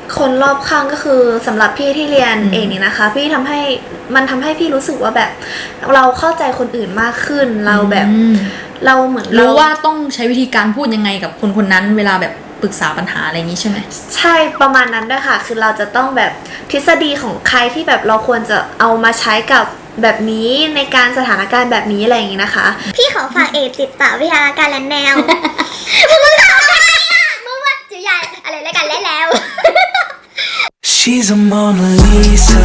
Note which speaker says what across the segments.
Speaker 1: คนรอบข้างก็คือสำหรับพี่ที่เรียนเองนี่นะคะพี่ทำให้พี่รู้สึกว่าแบบเราเข้าใจคนอื่นมากขึ้นเราแบบเราเหมือน
Speaker 2: รู้ว่าต้องใช้วิธีการพูดยังไงกับคนคนนั้นเวลาแบบปรึกษาปัญหาอะไรอย่างนี้ใช่ไหม
Speaker 1: ใช่ประมาณนั้นด้วยค่ะคือเราจะต้องแบบทฤษฎีของใครที่แบบเราควรจะเอามาใช้กับแบบนี้ในการสถานการณ์แบบนี้อะไรอย่างนี้นะคะ
Speaker 3: พี่ขอฝากเอกจิตวิทยาการและแนวมึงถามอะไรอ่ะมึงว่าจิตใหญ่อะไรแล้วกันแล้ว
Speaker 4: She's a Mona Lisa.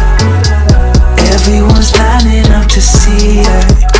Speaker 4: Everyone's lining up to see her.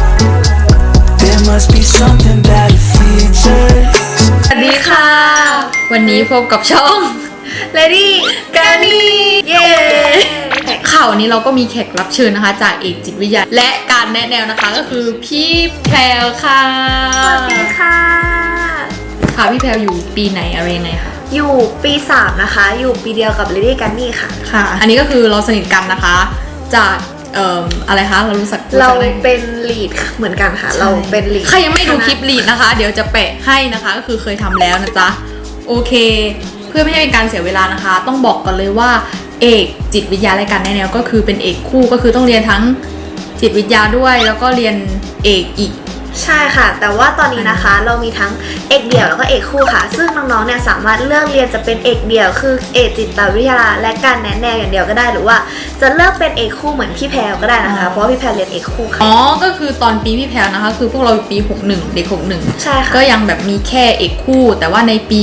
Speaker 4: There must be something about her features.
Speaker 2: สวัสดีค่ะวันนี้พบกับช่อง
Speaker 1: Lady กานีเย้
Speaker 2: ข่าววันนี้เราก็มีแขกรับเชิญนะคะจากเอกจิตวิทยาและการแนะแนวนะคะก็คือพี่แพรวค่ะ
Speaker 1: สวัสดีค่ะ
Speaker 2: ค่ะพี่แพรวอยู่ปีไหนอะไรยังไงคะ
Speaker 1: อยู่ปี3นะคะอยู่ปีเดียวกับ Lady กานีค่ะ
Speaker 2: ค่ะอันนี้ก็คือเราสนิทกันนะคะจากอะไรคะเรารู้สึก
Speaker 1: เราเป็นลีดเหมือนกันค่ะเราเป็นลีด
Speaker 2: ใครยังไม่ดูคลิปลีดนะคะเดี๋ยวจะแปะให้นะคะก็คือเคยทำแล้วนะจ๊ะโอเคเพื่อไม่ให้เป็นการเสียเวลานะคะต้องบอกก่อนเลยว่าเอกจิตวิทยาและการแนะแนวก็คือเป็นเอกคู่ก็คือต้องเรียนทั้งจิตวิทยาด้วยแล้วก็เรียนเอกอีก
Speaker 1: ใช่ค่ะแต่ว่าตอนนี้นะคะเรามีทั้งเอกเดี่ยวแล้วก็เอกคู่ค่ะซึ่งน้องๆเนี่ยสามารถเลือกเรียนจะเป็นเอกเดี่ยวคือเอกจิตวิทยาและการแนะแนวอย่างเดียวก็ได้หรือว่าจะเลือกเป็นเอกคู่เหมือนพี่แพรก็ได้นะคะเพราะว่าพี่แพรเรียนเอกคู่ค่ะ
Speaker 2: อ๋อก็คือตอนปีพี่แพรนะคะคือพวกเราปี61เด็ก61
Speaker 1: ใช่ค่ะ
Speaker 2: ก็ยังแบบมีแค่เอกคู่แต่ว่าในปี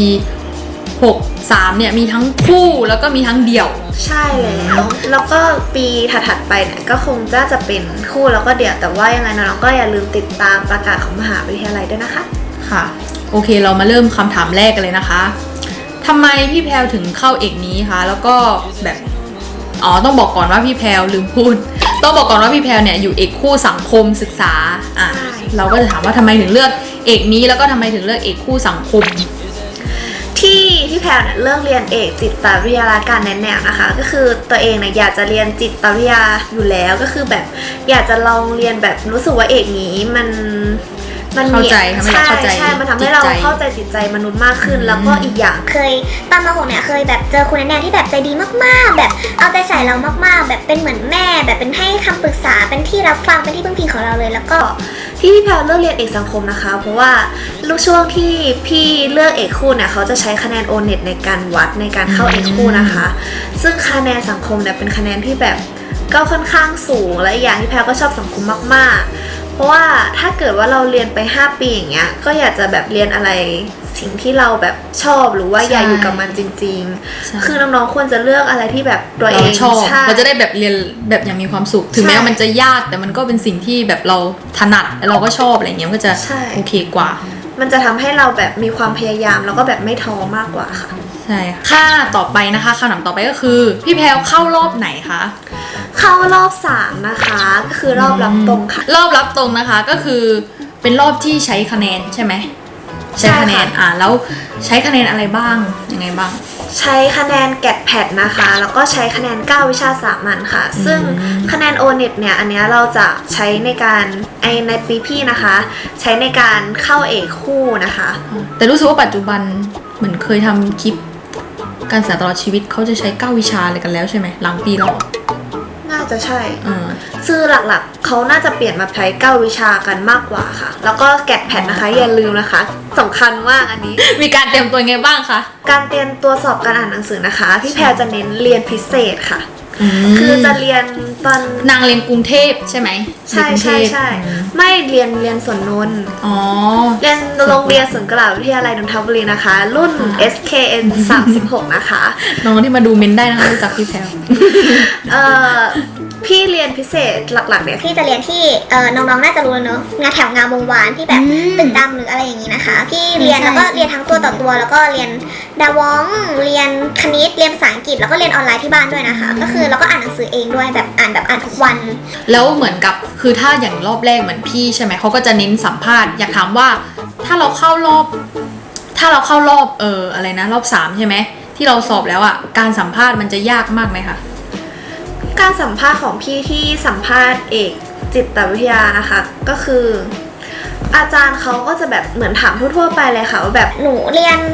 Speaker 2: 63เนี่ยมีทั้งคู่แล้วก็มีทั้งเดี่ยว
Speaker 1: ใช่แล้วก็ปีถัดๆไปเนี่ยก็คงจะเป็นคู่แล้วก็เดี่ยวแต่ว่ายังไงน้องๆก็อย่าลืมติดตามประกาศของมหาวิทยาลัยด้วยนะคะ
Speaker 2: ค่ะโอเคเรามาเริ่มคำถามแรกกันเลยนะคะทำไมพี่แพรวถึงเข้าเอกนี้คะแล้วก็แบบต้องบอกก่อนว่าพี่แพรวลืมพูดต้องบอกก่อนว่าพี่แพรวเนี่ยอยู่เอกคู่สังคมศึกษาเราก็จะถามว่าทำไมถึงเลือกเอกนี้แล้วก็ทำไมถึงเลือกเอกคู่สังคม
Speaker 1: ที่พี่แพรเนี่ยเลือกเรียนเอกจิตวิทยาและการแนะแนวนะคะก็คือตัวเองเนี่ยอยากจะเรียนจิตวิทยาอยู่แล้วก็คือแบบอยากจะลองเรียนแบบรู้สึกว่าเอกนี้มัน
Speaker 2: มีใช่
Speaker 1: มันทำให้เราเข้าใจจิตใจมนุษย์มากขึ้นแล้วก็อีกอย่าง
Speaker 3: เคยตอนม.6เนี่ยเคยแบบเจอคุณแนนที่แบบใจดีมากๆแบบเอาใจใส่เรามากๆแบบเป็นเหมือนแม่แบบเป็นให้คำปรึกษาเป็นที่รับฟังเป็นที่พึ่งพิงของเราเลยแล้วก็
Speaker 1: ที่พี่แพรเลือกเรียนเอกสังคมนะคะเพราะว่าลูกช่วงที่พี่เลือกเอกคู่เนี่ยเขาจะใช้คะแนน O-NET ในการวัดในการเข้าเอกคู่นะคะซึ่งคะแนนสังคมเนี่ยเป็นคะแนนที่แบบก็ค่อนข้างสูงและอีกอย่างที่แพรก็ชอบสังคมมากๆเพราะว่าถ้าเกิดว่าเราเรียนไป5ปีอย่างเงี้ยก็อยากจะแบบเรียนอะไรสิ่งที่เราแบบชอบหรือว่าอยากอยู่กับมันจริงๆคือน้องๆควรจะเลือกอะไรที่แบบตัวเอง
Speaker 2: ชอบเราจะได้แบบเรียนแบบอย่างมีความสุขถึงแม้ว่ามันจะยากแต่มันก็เป็นสิ่งที่แบบเราถนัดแล้วเราก็ชอบอะไรเงี้ยมันก็จะโอเคกว่า
Speaker 1: มันจะทำให้เราแบบมีความพยายามแล้วก็แบบไม่ท้อมากกว่าค่ะ
Speaker 2: ใช่ค่ะต่อไปนะคะคำถามต่อไปก็คือพี่แพรวเข้ารอบไหนคะ
Speaker 1: เข้ารอบ3นะคะก็คือรอบรับตรงค่ะ
Speaker 2: รอบรับตรงนะคะก็คือเป็นรอบที่ใช้คะแนนใช่ไหมใช้คะแนนแล้วใช้คะแนนอะไรบ้างยังไงบ้าง
Speaker 1: ใช้คะแนนแกดแพดนะคะแล้วก็ใช้คะแนน9วิชาสามัญค่ะซึ่งคะแนน O-NET เนี่ยอันนี้เราจะใช้ในการในปีพี่นะคะใช้ในการเข้าเอกคู่นะคะ
Speaker 2: แต่รู้สึกว่าปัจจุบันเหมือนเคยทำคลิปการศึกษาตลอดชีวิตเขาจะใช้9วิชาอะไรกันแล้วใช่ไหมหลังปีเรา
Speaker 1: น่าจะใช่ซึ่งหลักๆเขาน่าจะเปลี่ยนมาใช้9วิชากันมากกว่าค่ะแล้วก็แกดแพดนะคะอย่าลืมนะคะสำคัญมากอันนี้
Speaker 2: มีการเตรียมตัวไงบ้างคะ
Speaker 1: การเตรียมตัวสอบการอ่านหนังสือนะคะพี่แพรจะเน้นเรียนพิเศษค่ะคือจะเรียนตอน
Speaker 2: นางเรียนกรุงเทพใช่ไหม
Speaker 1: ใช่ไม่เรียนสวนนนท์เรียนโรงเรียนสวนกุหลาบวิทยาลัยนนทบุรีนะคะรุ่น SKN 36นะคะ
Speaker 2: น้องที่มาดูเมนได้นะคะรู้จักพี่แพร
Speaker 1: พี่เรียนพิเศษหลักๆเนี่ย
Speaker 3: พี่จะเรียนที่น้องๆน่าจะรู้แล้วเนอะงานแถวงามวงวานที่แบบตึกดำหรืออะไรอย่างนี้นะคะพี่เรียนแล้วก็เรียนทั้งตัวต่อตัวแล้วก็เรียนดาวองเรียนคณิตเรียนภาษาอังกฤษแล้วก็เรียนออนไลน์ที่บ้านด้วยนะคะก็คือเราก็อ่านหนังสือเองด้วยแบบอ่านทุกวัน
Speaker 2: แล้วเหมือนกับคือถ้าอย่างรอบแรกเหมือนพี่ใช่ไหมเขาก็จะเน้นสัมภาษณ์อยากถามว่าถ้าเราเข้ารอบอะไรนะรอบ3ใช่ไหมที่เราสอบแล้วอ่ะการสัมภาษณ์มันจะยากมากไหมคะ
Speaker 1: การสัมภาษณ์ของพี่ที่สัมภาษณ์เอกจิตวิทยานะคะก็คืออาจารย์เขาก็จะแบบเหมือนถามทั่วๆไปเลยค่ะว่าแบบ
Speaker 3: หนูเรียน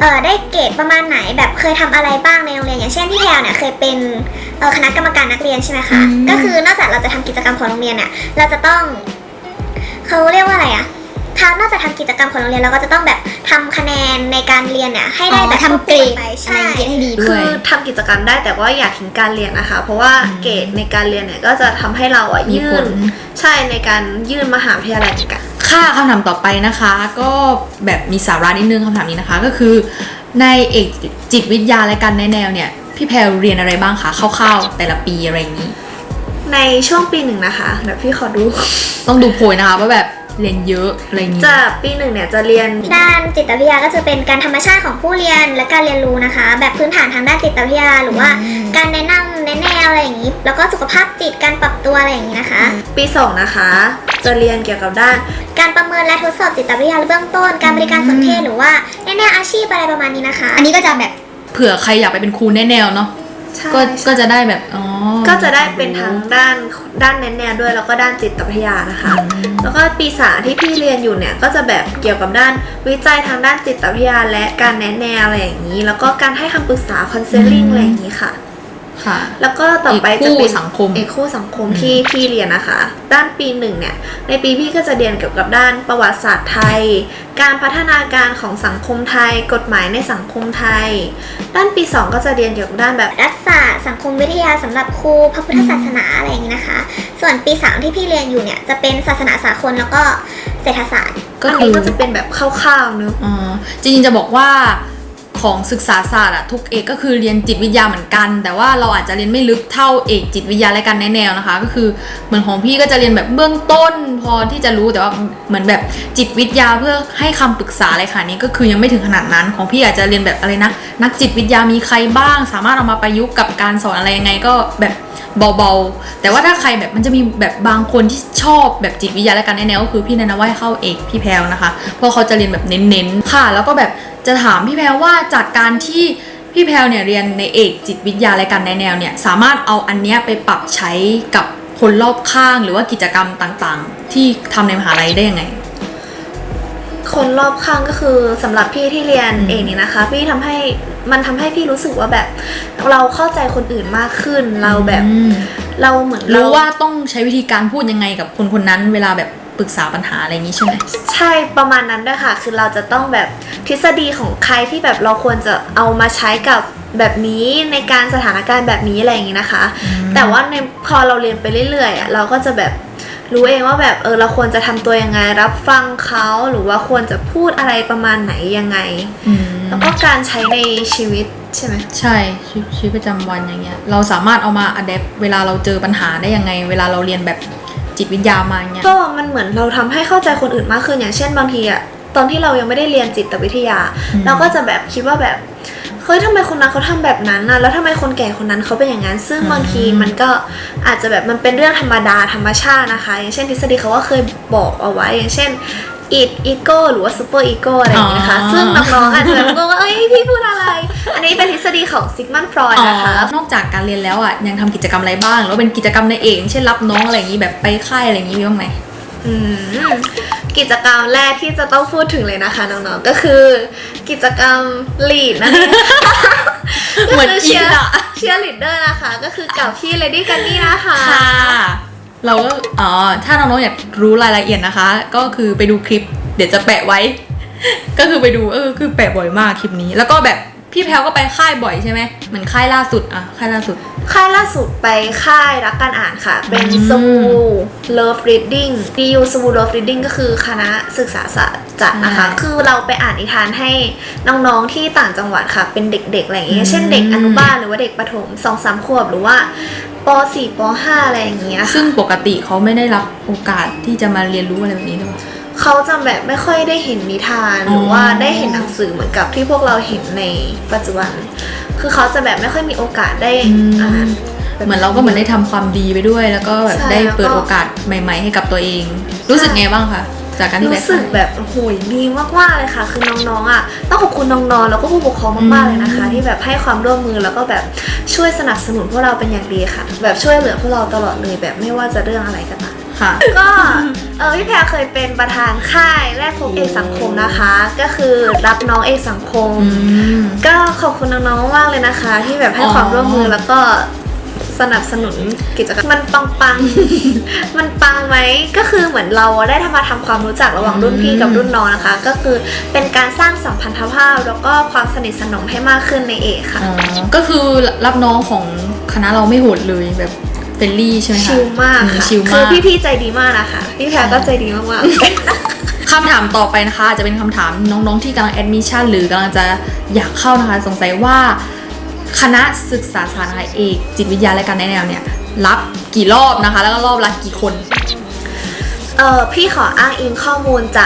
Speaker 3: ได้เกรดประมาณไหนแบบเคยทำอะไรบ้างในโรงเรียนอย่างเช่นพี่แพรเนี่ยเคยเป็นคณะกรรมการนักเรียนใช่ไหมคะก็คือนอกจากเราจะทำกิจกรรมของโรงเรียนเนี่ยเราจะต้องเขาเรียกว่าอะไรอะนอกจากทำกิจกรรมของโรงเรียนเราก็จะต้องแบบทำคะแนนในการเรียนเนี่ยให้ได้แบบ
Speaker 5: ทำเกรด
Speaker 3: ไป
Speaker 5: อะไร
Speaker 3: ใช่
Speaker 5: อย่างเงี้ยให้ดีด้
Speaker 1: คื
Speaker 5: วย
Speaker 1: อทำกิจกรรมได้แต่ว่าอย่าทิ้งการเรียนนะคะ เพราะว่าเกรดในการเรียนเนี่ยก็จะทำให้เราอ่ะ
Speaker 2: มี
Speaker 1: ยื่
Speaker 2: ผ
Speaker 1: น
Speaker 2: ล
Speaker 1: ใช่ในการยื่นมหาวิทยาลัยเหมือนกัน
Speaker 2: ค่ะคำถามต่อไปนะคะ ก็แบบมีสาระนิดนึงคำถามนี้นะคะ ก็คือในเอกจิตวิทยาและการแนะแนวเนี่ยพี่แพรเรียนอะไรบ้างคะคร่าวๆแต่ละปีอะไรอย่างนี้
Speaker 1: ในช่วงปี 1นะคะเดี๋ยวพี่ขอดู
Speaker 2: ต้องดูโพยนะคะว่าแบบเรียนเยอะอะไรอย่างนี้
Speaker 1: จะปี 1เนี่ยจะเรียน
Speaker 3: ด้านจิตวิทยาก็จะเป็นการธรรมชาติของผู้เรียนและการเรียนรู้นะคะ แบบพื้นฐานทางด้านจิตวิทยาหรือว่าการแนะนำแนะแนวอะไรอย่างนี้ แล้วก็สุขภาพจิตการปรับตัวอะไรอย่างนี้นะคะ
Speaker 1: ปี 2นะคะจะเรียนเกี่ยวกับด้าน
Speaker 3: การประเมินและทดสอบจิตวิทยาเบื้องต้น การบริการสนเทศหรือว่าแนะแนวอาชีพอะไรประมาณนี้นะคะ
Speaker 5: อันนี้ก็จะแบบ
Speaker 2: เผื่อใครอยากไปเป็นครูแนะแนวเนาะ
Speaker 1: ใช่
Speaker 2: ก็จะได้แบบอ๋อ
Speaker 1: ก็จะได้เป็นทั้งด้านแนะแนวด้วยแล้วก็ด้านจิตวิทยานะคะ แล้วก็ปี3ที่พี่เรียนอยู่เนี่ยก็จะแบบเกี่ยวกับด้านวิจัยทางด้านจิตวิทยาและการแนะแนวอะไรอย่างนี้ แล้วก็การให้คำปรึกษาคอนเซลลิ่งอะไรอย่างนี้ค่ะ
Speaker 2: ค่ะ
Speaker 1: แล้วก็ต่อไป
Speaker 2: เอกคู่
Speaker 1: จะเป็น
Speaker 2: สังคม
Speaker 1: เอกคู่สังคมที่พี่เรียนนะคะ ด้านปี1เนี่ยในปีพี่ก็จะเรียนเกี่ยวกับด้านประวัติศาสตร์ไทย การพัฒนาการของสังคมไทย กฎหมายในสังคมไทย ด้านปี 2ก็จะเรียนเกี่ยวกับด้านแบบ
Speaker 3: รัฐศาสตร์สังคมวิทยาสำหรับครูพระพุทธศาสนาอะไรอย่างนี้นะคะ ส่วนปี 3ที่พี่เรียนอยู่เนี่ยจะเป็นศาสนาสากลแล้วก็เศรษฐศาสตร์
Speaker 2: ก็
Speaker 1: อัน
Speaker 2: คื
Speaker 1: นี้
Speaker 2: อ
Speaker 1: ก็จะเป็นแบบคร่าวๆเนอะ
Speaker 2: จริงๆจะบอกว่าของศึกษาศาสตร์อะทุกเอกก็คือเรียนจิตวิทยาเหมือนกัน แต่ว่าเราอาจจะเรียนไม่ลึกเท่าเอกจิตวิทยาและการแนะแนวนะคะ ก็คือเหมือนของพี่ก็จะเรียนแบบเบื้องต้นพอที่จะรู้แต่ว่าเหมือนแบบจิตวิทยาเพื่อให้คำปรึกษาอะไรค่ะนี้ก็คือยังไม่ถึงขนาดนั้นของพี่อาจจะเรียนแบบอะไรนะนักจิตวิทยามีใครบ้างสามารถเอามาประยุกต์กับการสอนอะไรยังไงก็แบบเบาๆแต่ว่าถ้าใครแบบมันจะมีแบบบางคนที่ชอบแบบจิตวิทยาและการแนะแนวก็คือพี่แนะนำว่าให้เข้าเอกพี่แพรวนะคะเพราะเขาจะเรียนแบบเน้นๆค่ะแล้วก็แบบจะถามพี่แพรวว่าจากการที่พี่แพรวเนี่ยเรียนในเอกจิตวิทยาและการแนะแนวเนี่ยสามารถเอาอันเนี้ยไปปรับใช้กับคนรอบข้างหรือว่ากิจกรรมต่างๆ ที่ทำในมหาลัยได้ยังไง
Speaker 1: คนรอบข้างก็คือสำหรับพี่ที่เรียนเองนี่นะคะ พี่ทำให้พี่รู้สึกว่าแบบเราเข้าใจคนอื่นมากขึ้นเราแบบเราเหมือน
Speaker 2: รู้ว่าต้องใช้วิธีการพูดยังไงกับคนคนนั้นเวลาแบบปรึกษาปัญหาอะไรอย่างนี้ใช่ไหม
Speaker 1: ใช่ประมาณนั้นด้วยค่ะคือเราจะต้องแบบทฤษฎีของใครที่แบบเราควรจะเอามาใช้กับแบบนี้ในการสถานการณ์แบบนี้อะไรอย่างนี้นะคะ แต่ว่าในพอเราเรียนไปเรื่อยๆอ่ะเราก็จะแบบรู้เองว่าแบบเราควรจะทำตัวยังไงรับฟังเขาหรือว่าควรจะพูดอะไรประมาณไหนยังไงแล้วก็การใช้ในชีวิตใช่ไหม
Speaker 2: ใช่ชีวิตประจำวันอย่างเงี้ยเราสามารถเอามาอัดแอปเวลาเราเจอปัญหาได้ยังไง เวลาเราเรียนแบบจิตวิทยามาอย่างเงี้ย
Speaker 1: ก็มันเหมือนเราทำให้เข้าใจคนอื่นมากขึ้นอย่างเช่นบางทีอะตอนที่เรายังไม่ได้เรียนจิตวิทยา เราก็จะแบบคิดว่าแบบเฮ้ยทำไมคนนั้นเขาทำแบบนั้นนะแล้วทำไมคนแก่คนนั้นเขาเป็นอย่างนั้นซึ่งบางทีมันก็อาจจะแบบมันเป็นเรื่องธรรมดาธรรมชาตินะคะอย่างเช่นทฤษฎีเขาก็เคยบอกเอาไว้อย่างเช่นอีโก้หรือว่าซูเปอร์อีโก้อะไรอย่างเงี้ยนะคะซึ่งน้องๆอาจจะแบบงงว่าเอ้ยพี่พูดอะไรอันนี้เป็นทฤษฎีของซิกมันฟรอยด์นะคะ
Speaker 2: นอกจากการเรียนแล้วอ่ะยังทำกิจกรรมอะไรบ้างหรือว่าเป็นกิจกรรมในเอกเช่นรับน้องอะไรอย่างนี้แบบไปค่ายอะไรอย่างนี้มีบ้างไหม
Speaker 1: กิจกรรมแรกที่จะต้องพูดถึงเลยนะคะน้องๆก็คือกิจกรรมลีดนั่นเอง
Speaker 2: เหมือน
Speaker 1: ก็คื
Speaker 2: อินอะ
Speaker 1: เชียร์ลีดเดอร์นะคะก็คือกับพี่เลดี้กันนี่นะคะ
Speaker 2: ค่ะเราก็ถ้าน้องๆอยากรู้รายละเอียดนะคะ ก็คือไปดูคลิปเดี๋ยวจะแปะไว้ ก็คือไปดูคือแปะบ่อยมากคลิปนี้ แล้วก็แบบพี่แพลวก็ไปค่ายบ่อยใช่ไหมเหมือนค่ายล่าสุดค่ายล่าสุด
Speaker 1: ค่ายล่าสุดไปค่ายรักการอ่านค่ะเป็นสวู Love Reading DU สวู Love Reading ก็คือคณะศึกษาศาสตร์จัดนะคะคือเราไปอ่านนิทานให้น้องๆที่ต่างจังหวัดค่ะเป็นเด็กๆอะไรอย่างเงี้ยเช่นเด็กอนุบาลหรือว่าเด็กประถม 2-3 ขวบหรือว่าป.4 ป.5 อะไรอย่างเงี้ยค่ะ
Speaker 2: ซึ่งปกติเขาไม่ได้รับโอกาสที่จะมาเรียนรู้อะไรแบบนี้หรอ
Speaker 1: เขาจะแบบไม่ค่อยได้เห็นนิทานหรือว่าได้เห็นหนังสือเหมือนกับที่พวกเราเห็นในปัจจุบันคือเขาจะแบบไม่ค่อยมีโอกาสได้อ่าน
Speaker 2: เหมือนเราก็เหมือนได้ทำความดีไปด้วย แล้วก็แบบ
Speaker 1: ใช่
Speaker 2: ได้เปิด
Speaker 1: แล้วก็
Speaker 2: โอกาสใหม่ๆให้กับตัวเอง รู้สึกไงบ้างคะจากการที่ไป
Speaker 1: รู้สึกแบบโอ้โหดีมากๆเลยค่ะคือน้องๆอ่ะต้องขอบคุณน้องๆแล้วก็ผู้ปกครองมากๆเลยนะคะ ที่แบบให้ความร่วมมือแล้วก็แบบช่วยสนับสนุนพวกเราเป็นอย่างดีค่ะ แบบช่วยเหลือพวกเราตลอดเลยแบบไม่ว่าจะเรื่องอะไรก็ตาม
Speaker 2: ค่ะ
Speaker 1: ก็พี่แพรเคยเป็นประธานค่ายแรกพบเอกสังคมนะคะ ก็คือรับน้องเอกสังคม ก็ขอบคุณน้องๆมากเลยนะคะ ที่แบบให้ความร่วมมือแล้วก็สนับสนุนกิจกรรมมันปัง มันปังไหมก็คือเหมือนเราได้ทำความรู้จักระหว่างรุ่นพี่กับรุ่นน้องนะคะ ก็คือเป็นการสร้างสัมพันธภาพแล้วก็ความสนิทสนมให้มากขึ้นในเอกค่ะ
Speaker 2: อ๋อก็คือรับน้องของคณะเราไม่โหดเลยแบบเฟรนลี่ใช่ไหมคะ
Speaker 1: ชิลมากค่ะ
Speaker 2: ชิล
Speaker 1: คื
Speaker 2: มา
Speaker 1: อก พี่ๆใจดีมากนะคะพี่แพรก็ใจดีมากๆ
Speaker 2: คำถามต่อไปนะคะอาจจะเป็นคำถามน้องๆที่กำลังแอดมิชชั่นหรือกำลังจะอยากเข้านะคะสงสัยว่าคณะศึกษาศาสตร์นะคะเอกจิตวิทยาและการแนะแนวเนี่ยรับกี่รอบนะคะ แล้วก็รอบละกี่คน
Speaker 1: พี่ขออ้างอิงข้อมูลจาก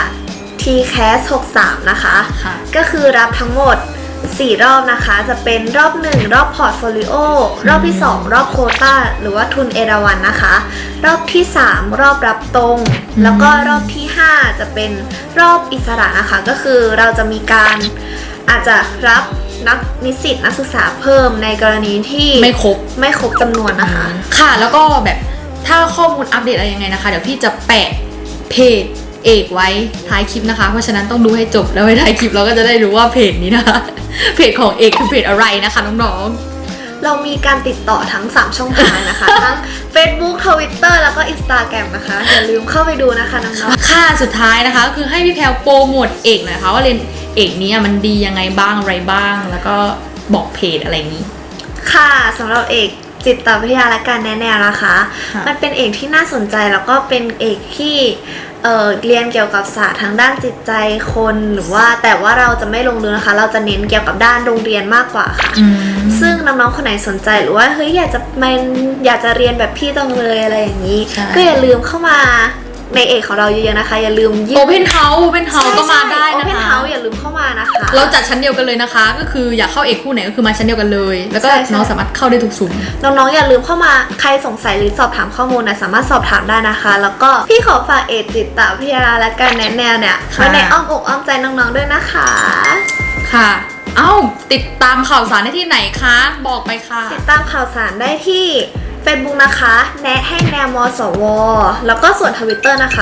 Speaker 1: TCAS 63 นะคะ
Speaker 2: ค่ะ
Speaker 1: ก็คือรับทั้งหมด 4 รอบนะคะ จะเป็นรอบ 1 รอบพอร์ตโฟลิโอ รอบที่ 2 รอบโควต้า หรือว่าทุนเอราวัณนะคะ รอบที่ 3 รอบรับตรง แล้วก็รอบที่ 5 จะเป็นรอบอิสระนะคะ ก็คือเราจะมีการอาจจะรับนิสิตนักศึกษาเพิ่มในกรณีที่ไม่ครบจำนวนนะคะ
Speaker 2: ค่ะแล้วก็แบบถ้าข้อมูลอัปเดตอะไรยังไงนะคะ เดี๋ยวพี่จะแปะเพจเอกไว้ท้ายคลิปนะคะ เพราะฉะนั้นต้องดูให้จบแล้วไว้ท้ายคลิปเราก็จะได้รู้ว่าเพจนี้นะคะ เพจของเอกคือเพจอะไรนะคะน้องๆ
Speaker 1: เรามีการติดต่อทั้ง 3 ช่องทางนะคะ ทั้ง Facebook Twitter แล้วก็ Instagram นะคะ อย่าลืมเข้าไปดูนะคะน้องๆ
Speaker 2: ค่ะสุดท้ายนะคะก็คือให้พี่แพลวโปรโมทเอกหน่อยค่ะว่าเรียนเอกนี้มันดียังไงบ้างอะไรบ้าง แล้วก็บอกเพจอะไรอย่างนี้
Speaker 1: ค่ะสำหรับเอกจิตวิทยาและการแนะแนวนะคะ
Speaker 2: ค่ะ
Speaker 1: มันเป็นเอกที่น่าสนใจแล้วก็เป็นเอกที่เรียนเกี่ยวกับศาสตร์ทางด้านจิตใจคนหรือว่าแต่ว่าเราจะไม่ลงลึกนะคะ เราจะเน้นเกี่ยวกับด้านโรงเรียนมากกว่าค่ะ ซึ่งน้องๆคนไหนสนใจหรือว่าเฮ้ยอยากจะเรียนแบบพี่จังเลยอะไรอย่างนี้
Speaker 2: ใช่
Speaker 1: ก็อย่าลืมเข้ามาในเอกของเราเยอะๆนะคะ อย่าลืมยื่น
Speaker 2: โอเพนเฮาส์ก็มาได้
Speaker 1: โอ
Speaker 2: นะ
Speaker 1: เพน
Speaker 2: คะ
Speaker 1: เฮาส์อย่าลืมเข้ามานะคะ
Speaker 2: เราจัดชั้นเดียวกันเลยนะคะ ก็คืออยากเข้าเอกคู่ไหนก็คือมาชั้นเดียวกันเลย แล้วก็
Speaker 1: ใช่
Speaker 2: น้องสามารถเข้าได้ทุกซุ้ม
Speaker 1: น้องๆอย่าลืมเข้ามาใครสงสัยหรือสอบถามข้อมูลนะสามารถสอบถามได้นะคะ แล้วก็พี่ขอฝากเอกจิตวิทยาและการแนะแนวเนี่ย
Speaker 2: ค่ะ
Speaker 1: ไว้ในอ้อมอกอ้อมใจน้องๆด้วยนะคะ
Speaker 2: ค่ะ เอ้าติดตามข่าวสารได้ที่ไหนคะบอกไปค่ะ
Speaker 1: ติดตามข่าวสารได้ที่ Facebook นะคะ แนะให้แนวมสว แล้วก็ส่วน Twitter นะคะ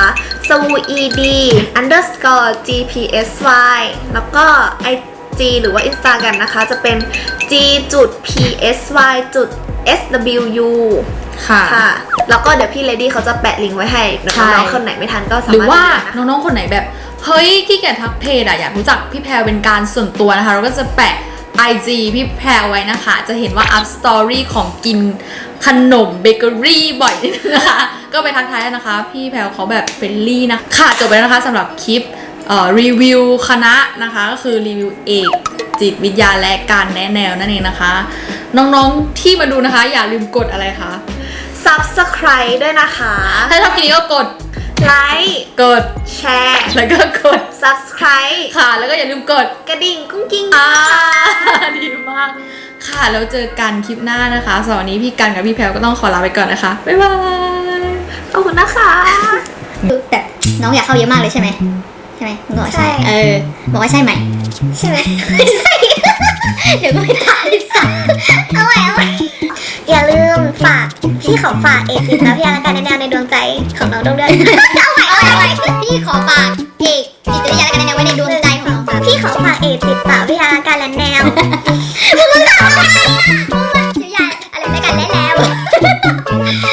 Speaker 1: swed_gpsy แล้วก็ IG หรือว่า Instagram นะคะ จะเป็น g.psy.swu
Speaker 2: ค่ะ
Speaker 1: ค่ะ แล้วก็เดี๋ยวพี่เลดี้เขาจะแปะลิงก์ไว้ให้เดี๋ยว
Speaker 2: ใช่
Speaker 1: น้องๆคนไหนไม่ทันก็สา
Speaker 2: หรือ
Speaker 1: มารถ
Speaker 2: ว่า
Speaker 1: ดูได้นะคะ
Speaker 2: น้องๆคนไหนแบบเฮ้ยขี้เกียจทักเพจอะอยากรู้จักพี่แพรเป็นการส่วนตัวนะคะ เราก็จะแปะ IG พี่แพรไว้นะคะ จะเห็นว่า up story ของกินขนมเบเกอรี่บ่อยนิดนึงนะคะ ก็ไปทักทายได้นะคะ พี่แพรเขาแบบเฟรนลี่นะค่ะจบไปแล้วนะคะสำหรับคลิปรีวิวคณะนะคะ ก็คือรีวิวเอกจิตวิทยาและการแนะแนวนั่นเองนะคะ น้องๆที่มาดูนะคะ อย่าลืมกดอะไรคะ
Speaker 1: Subscribe ด้วยนะคะ
Speaker 2: ถ้าชอบคลิปนี้ก็กด
Speaker 1: ไลค์
Speaker 2: กด
Speaker 1: แชร์
Speaker 2: แล้วก็กด
Speaker 1: Subscribe
Speaker 2: ค่ะ แล้วก็อย่าลืมกด
Speaker 1: กระดิ่งกุ้งกิ้ง
Speaker 2: ดีมาก ค่ะ แล้วเจอกันคลิปหน้านะคะสำหรับวันนี้พี่กันกับพี่แพลวก็ต้องขอลาไปก่อนนะคะ บ๊ายบาย
Speaker 1: ขอบคุณนะคะ
Speaker 3: คือแบบน้องอยากเข้าเยอะมากเลยใช่ไหมใช่ไหมมึงบอกว่าใช่บอกว่าใช่ไหมใช่ไหมไม่ใช่ เดี๋ยวก็ไม่ทันสักเอาไว้อย่าลืมฝากพี่ขอฝากเอกจิตวิทยาและการแนะแนวในดวงใจของน้องด้วยเอาไว้พี่ขอฝากเอกจิตวิทยาและการแนะแนวไว้ในดวงใจของน้องพี่ขอฝากเอกจิตวิทยาและการแนะแนวมึงถามอะไร